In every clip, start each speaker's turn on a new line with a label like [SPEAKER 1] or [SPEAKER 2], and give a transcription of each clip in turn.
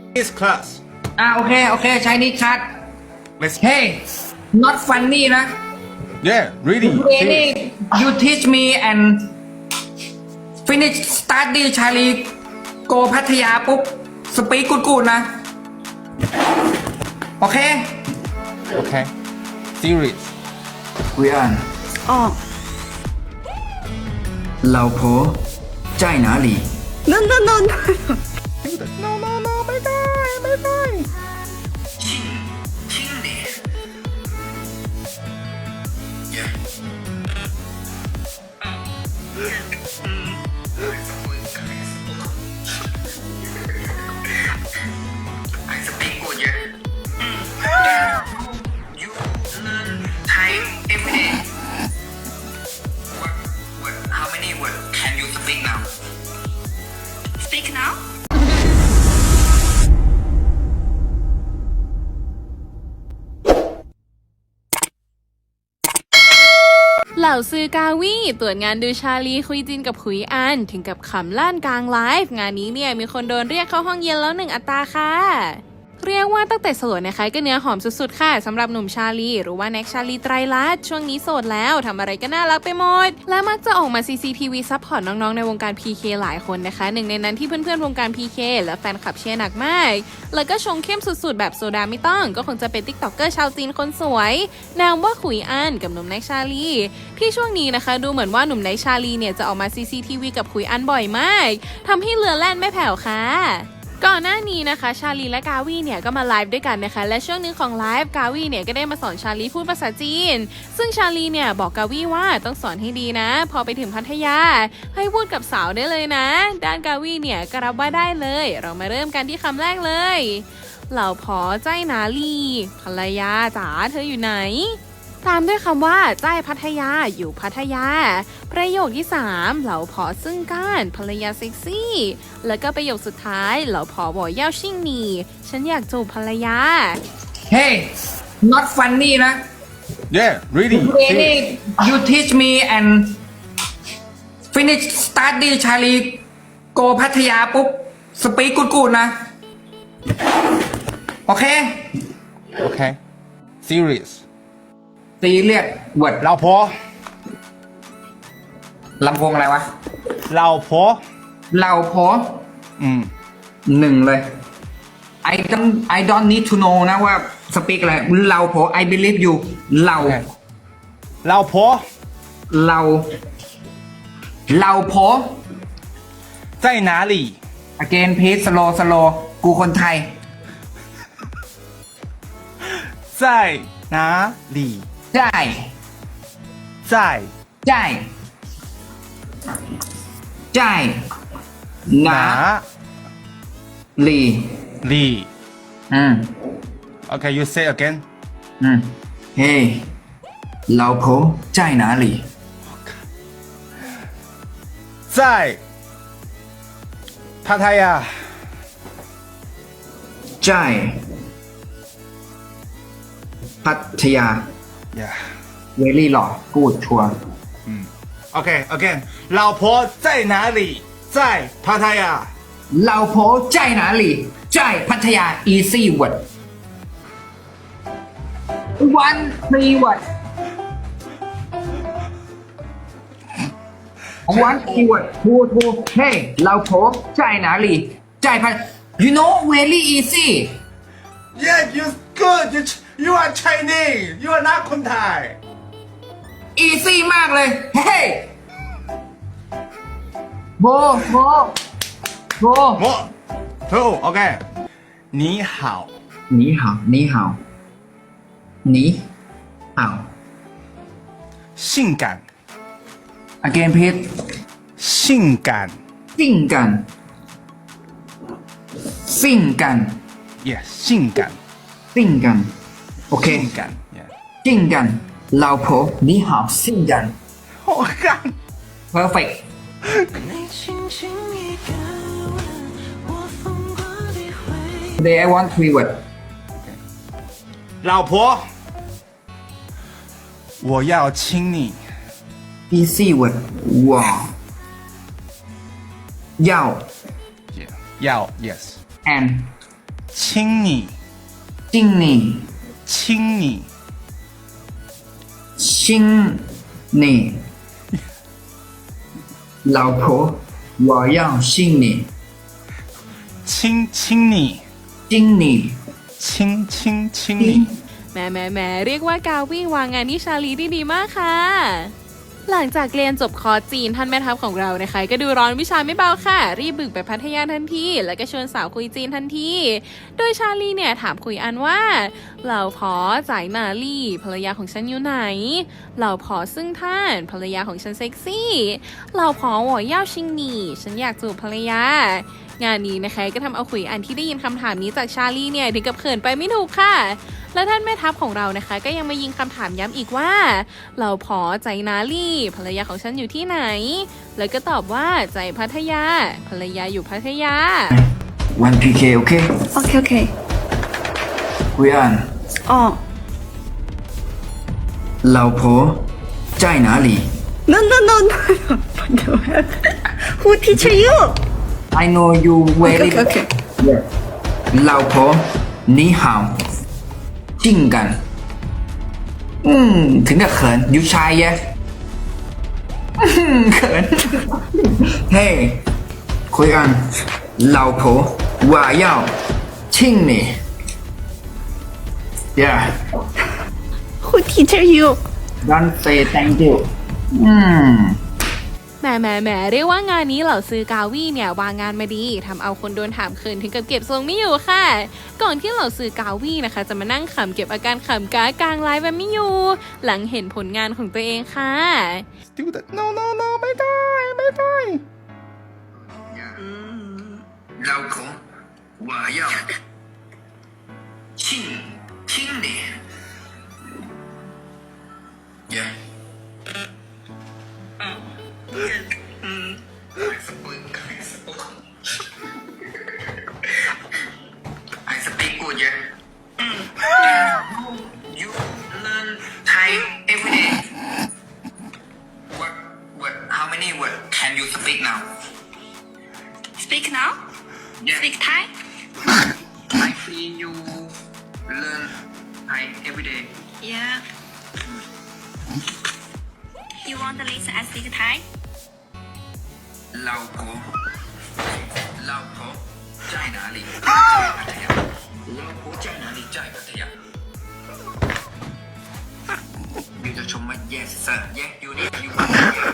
[SPEAKER 1] This class.
[SPEAKER 2] โอเคใช้นี่คัด
[SPEAKER 1] Let's.
[SPEAKER 2] Hey not funny นะ
[SPEAKER 1] Yeah, really.
[SPEAKER 2] Really you teach me and finish study ชาลีโกพัทยาปุ๊บสปีกกูดนะ โอเค
[SPEAKER 1] Okay. Serious.
[SPEAKER 2] คุยอ่านเราโพใจหนาหลี
[SPEAKER 3] No.
[SPEAKER 1] No. ไม่ได้
[SPEAKER 2] I speak good, yeah. You learn Thai every day. How many words can you speak now?
[SPEAKER 3] Speak now.
[SPEAKER 4] เหล่าซื้อกาวีตรวจงานดูชาลีคุยจินกับขุยอันถึงกับขำลั่นกลางไลฟ์งานนี้เนี่ยมีคนโดนเรียกเข้าห้องเย็นแล้ว1 อัตราค่ะเรียกว่าตั้งแต่โสดนะคะก็เนื้อหอมสุดๆค่ะสำหรับหนุ่มชาลีหรือว่าแน็กชาลีไตรลักษณ์ช่วงนี้โสดแล้วทำอะไรก็น่ารักไปหมดและมักจะออกมา CCTV ซัพพอร์ตน้องๆในวงการ PK หลายคนนะคะหนึ่งในนั้นที่เพื่อนๆวงการ PK และแฟนคลับเชียร์หนักมากแล้วก็ชงเข้มสุดๆแบบโซดาไม่ต้องก็คงจะเป็นติ๊กต็อกเกอร์ชาวจีนคนสวยนามว่าขุยอันกับหนุ่มแน็กชาลีที่ช่วงนี้นะคะดูเหมือนว่าหนุ่มแน็กชาลีเนี่ยจะออกมา CCTV กับขุยอันบ่อยมากทำให้เรือแล่นไม่แผ่วค่ะก่อนหน้านี้นะคะชาลีและกาวีเนี่ยก็มาไลฟ์ด้วยกันนะคะและช่วงนึงของไลฟ์กาวีเนี่ยก็ได้มาสอนชาลีพูดภาษาจีนซึ่งชาลีเนี่ยบอกกาวีว่าต้องสอนให้ดีนะพอไปถึงพัทยาให้พูดกับสาวได้เลยนะด้านกาวีเนี่ยก็รับว่าได้เลยเรามาเริ่มกันที่คำแรกเลยเหล่าพอใจหนาลีภรรยาจ๋าเธออยู่ไหนตามด้วยคำว่าใจพัทยาอยู่พัทยาประโยคที่3เหล่าพอซึ่งก้านภรรยาเซ็กซี่แล้วก็ประโยคสุดท้ายเหล่าพอบอกเย่าชิ่งหนีฉันอยากจูบภรรยา
[SPEAKER 2] Hey not funny นะ
[SPEAKER 1] Yeah, really.
[SPEAKER 2] Really you teach me and finish study ชาลีโกพัทยาปุ๊บสปีกกูดนะ โอเค
[SPEAKER 1] Okay. Serious.
[SPEAKER 2] ตีเรียกเวิร์ด
[SPEAKER 1] 老婆
[SPEAKER 2] ลำโพงอะไรวะ
[SPEAKER 1] 老婆
[SPEAKER 2] เราพอ 1 เลย I don't need to know นะว่าสปีกอะไรเราพอ I believe you เรา
[SPEAKER 1] Okay. 老婆
[SPEAKER 2] เราพอ
[SPEAKER 1] 在哪里
[SPEAKER 2] again please slow กูคนไทย
[SPEAKER 1] 在哪里
[SPEAKER 2] ใช่
[SPEAKER 1] 在
[SPEAKER 2] ใช่ใช่หนา
[SPEAKER 1] 哪
[SPEAKER 2] ลี
[SPEAKER 1] 里 Okay, you say again.
[SPEAKER 2] เฮ้เราพอใจหนาลี
[SPEAKER 1] 在帕塔亚
[SPEAKER 2] ใช่พัทยา
[SPEAKER 1] Yeah.
[SPEAKER 2] เวลี่หล่อกูดชัวร์
[SPEAKER 1] Okay, again. 老婆在哪里在帕塔亚
[SPEAKER 2] เราพอใจหนาลีใจพัทยา easy word one three word one keyword two hey เราพอใจหนาลีใจพัท you know very easy
[SPEAKER 1] Yeah, you good. You are Chinese. You are not คนไทย
[SPEAKER 2] easy มากเลย hey โบ
[SPEAKER 1] 么哦 OK 你好
[SPEAKER 2] 你好你好你好
[SPEAKER 1] 性感
[SPEAKER 2] again please
[SPEAKER 1] 性感
[SPEAKER 2] 性感性感
[SPEAKER 1] Yeah 性感
[SPEAKER 2] 性感 OK
[SPEAKER 1] 性感 Yeah
[SPEAKER 2] 性感老婆你好性感
[SPEAKER 1] 我看
[SPEAKER 2] perfect today I want three word
[SPEAKER 1] 老婆我要亲你
[SPEAKER 2] easy word 我要
[SPEAKER 1] Yeah 要 Yes
[SPEAKER 2] and
[SPEAKER 1] 亲你，
[SPEAKER 2] 亲你，
[SPEAKER 1] 亲你，
[SPEAKER 2] 亲你，老婆，我要亲你，
[SPEAKER 1] 亲亲你，
[SPEAKER 2] 亲你，
[SPEAKER 1] 亲亲亲你。
[SPEAKER 4] แหมเรียกว่ากาวี่วางงานที่ชาลีได้ดีมากค่ะ หลังจากเรียนจบคอร์สจีนท่านแม่ทัพของเรานะคะก็ดูร้อนวิชาไม่เบาค่ะ รีบบึกไปพัทยาทันทีแล้วก็ชวนสาวคุยจีนทันทีโดยชาลีเนี่ยถามคุยอันว่าเหล่าพอจ่ายนาลี่ภรรยาของฉันอยู่ไหนเหล่าพอซึ่งท่านภรรยาของฉันเซ็กซี่เหล่าพอหัวเย่าชิงหนี่ฉันอยากจูบภรรยางานนี้นะคะก็ทำเอาคุยอันที่ได้ยินคำถามนี้จากชาลีเนี่ยถึงกับเขินไปไม่ถูกค่ะ และท่านแม่ทัพของเรานะคะก็ยังมายิงคำถามย้ำอีกว่าเราพอใจนาลี่ภรรยาของฉันอยู่ที่ไหน แล้วก็ตอบว่าใจพัทยาภรรยาอยู่พัทยา
[SPEAKER 2] one PK OK
[SPEAKER 3] OK OK。
[SPEAKER 2] คุยอัน
[SPEAKER 3] 哦
[SPEAKER 2] 老婆在哪里
[SPEAKER 3] ，No No No No。Who teach you？
[SPEAKER 2] I know you very
[SPEAKER 3] OK OK。
[SPEAKER 2] 老婆你好性感ถึงกับเขินยูชายแยเขินเฮ้คุยอัน老婆我要亲你 yeah
[SPEAKER 3] Who teach you？
[SPEAKER 2] don't say thank you
[SPEAKER 4] แหมเรียกว่างานนี้เหล่าซื้อกาวี่เนี่ยวางงานมาดีทำเอาคนโดนถามเขินถึงกับเก็บทรงไม่อยู่ค่ะ ก่อนที่เหล่าซื้อกาวี่นะคะจะมานั่งขำเก็บอาการขำกากลางไลฟ์แบบไม่อยู่ หลังเห็นผลงานของตัวเองค่ะ
[SPEAKER 1] Student no no no ไม่ได้ไม่ได้
[SPEAKER 2] 老婆我要亲你 yeah I speak good, yeah. You learn Thai every day. How many words can you speak now?
[SPEAKER 3] Speak now?
[SPEAKER 2] Yeah.
[SPEAKER 3] Speak Thai?
[SPEAKER 2] I see you learn Thai every day.
[SPEAKER 3] Yeah. You want to listen I speak Thai?
[SPEAKER 2] 老婆在哪里？在พัทยา老婆在哪里？在พัทยาyou จะชมว่า yes sir yes you need you want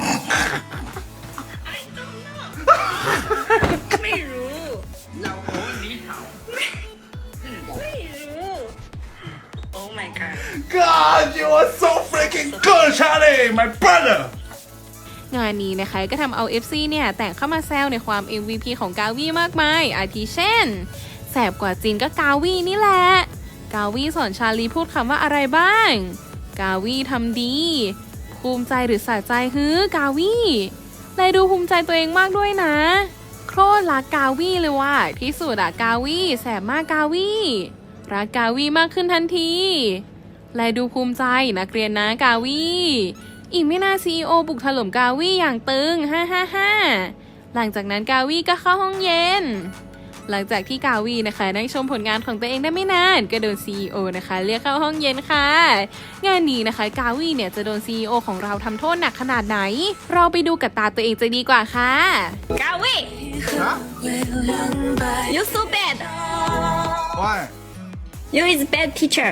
[SPEAKER 3] I don't know. ไม่รู้
[SPEAKER 2] 老婆你好
[SPEAKER 3] ไม่รู้ Oh my god.
[SPEAKER 1] God you are so freaking good Charlie my brother
[SPEAKER 4] งานนี้นะคะก็ทำเอา FC เนี่ยแต่งเข้ามาแซวในความ MVP ของกาวี่มากมายอาทิเช่นแสบกว่าจีนก็กาวี่นี่แหละกาวี่สอนชาลีพูดคำว่าอะไรบ้างกาวี่ทำดีภูมิใจหรือสะใจฮือกาวี่เลยดูภูมิใจตัวเองมากด้วยนะโคตรรักกาวี่เลยว่ะที่สุดอะกาวี่แสบมากกาวี่รักกาวี่มากขึ้นทันทีเลยดูภูมิใจนักเรียนนะกาวี่อีกไม่นาน CEO บุกถล่มกาวี่อย่างตึง555หลังจากนั้นกาวี่ก็เข้าห้องเย็นหลังจากที่กาวี่นะคะได้ชมผลงานของตัวเองได้ไม่นานก็โดน CEO นะคะเรียกเข้าห้องเย็นค่ะงานนี้นะคะกาวี่เนี่ยจะโดน CEO ของเราทำโทษหนักขนาดไหนเราไปดูกับตาตัวเองจะดีกว่าค่ะ
[SPEAKER 3] Gawi. You so bad.
[SPEAKER 1] Why
[SPEAKER 3] You is bad teacher.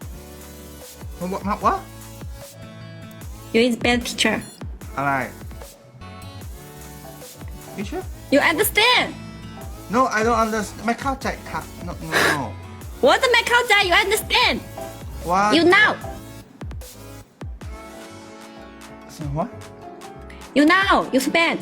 [SPEAKER 1] What
[SPEAKER 3] You is bad teacher.
[SPEAKER 1] อะไร You sure
[SPEAKER 3] You understand?
[SPEAKER 1] No I don't understand ไม่เข้าใจครับ No no no
[SPEAKER 3] What ไม่เข้าใจ You understand?
[SPEAKER 1] What
[SPEAKER 3] You know.
[SPEAKER 1] What
[SPEAKER 3] You know. You so bad.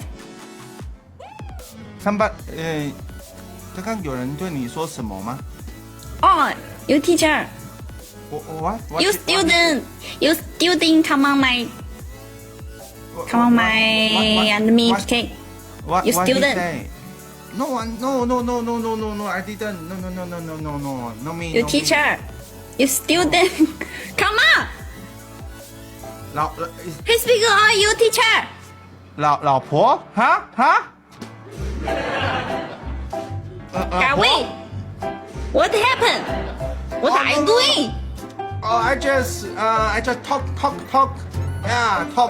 [SPEAKER 1] 刚刚有人对你说什么吗
[SPEAKER 3] Oh, you teacher.
[SPEAKER 1] What
[SPEAKER 3] You student. You student. Come on my. Come on my. And me. Okay.
[SPEAKER 1] What
[SPEAKER 3] You
[SPEAKER 1] what
[SPEAKER 3] student.
[SPEAKER 1] he say No no I didn't no me
[SPEAKER 3] You
[SPEAKER 1] no me.
[SPEAKER 3] teacher. You student. Come on.
[SPEAKER 1] 老
[SPEAKER 3] He speak on you teacher.
[SPEAKER 1] 老婆哈
[SPEAKER 3] Gawi. What happened? What are you doing?
[SPEAKER 1] Oh, I just talk. Yeah, talk.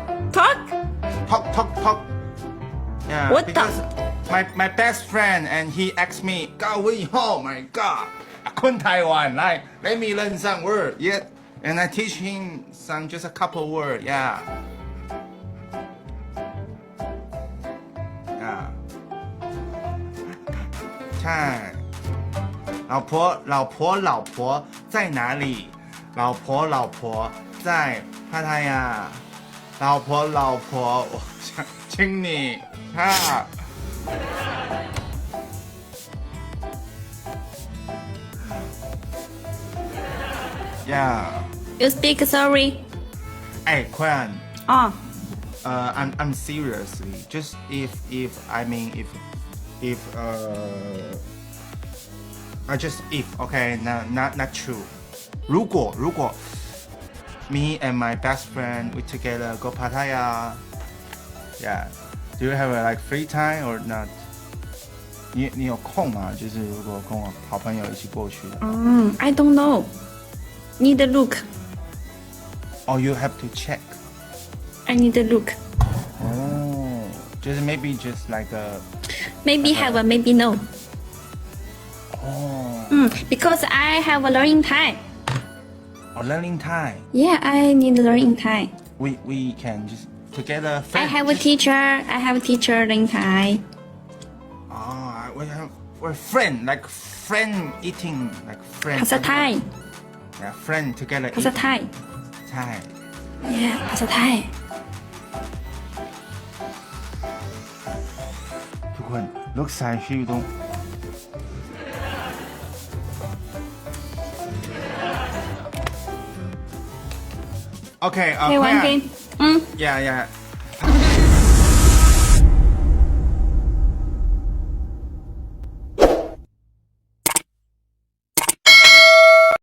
[SPEAKER 3] Talk?
[SPEAKER 1] Yeah.
[SPEAKER 3] What the-
[SPEAKER 1] because my best friend and he asked me, Gawi, oh my god, คนไต้หวัน like let me learn some word. Yeah, and I teach him some just a couple word. Yeah. Yeah. ใช่老婆在哪里老婆在พัทยา老婆我想请你ค่ะ Yeah
[SPEAKER 3] You speak sorry?
[SPEAKER 1] ไอ้ควัน
[SPEAKER 3] Oh.
[SPEAKER 1] I'm seriously just if I mean if I just if okay not true 如果 me and my best friend we together go Pattaya yeah do you have a like free time or not 你有空吗？就是如果跟我好朋友一起过去的
[SPEAKER 3] I don't know. Need a look.
[SPEAKER 1] or you have to check
[SPEAKER 3] I need a look.
[SPEAKER 1] 哦就是 maybe just like a
[SPEAKER 3] Maybe have a maybe no.
[SPEAKER 1] 哦
[SPEAKER 3] Because I have a learning time.
[SPEAKER 1] or learning time
[SPEAKER 3] Yeah, I need learning time.
[SPEAKER 1] we can just together
[SPEAKER 3] I have a teacher learning time.
[SPEAKER 1] we're friend like friend eating like friend
[SPEAKER 3] ภาษาไทย
[SPEAKER 1] yeah friend together
[SPEAKER 3] ภาษาไทย
[SPEAKER 1] ใช่
[SPEAKER 3] Yeah, ภาษาไทย
[SPEAKER 1] ทุกคนลูกชายชื่อต้องโอเค
[SPEAKER 3] Hey, one thing.
[SPEAKER 1] yeah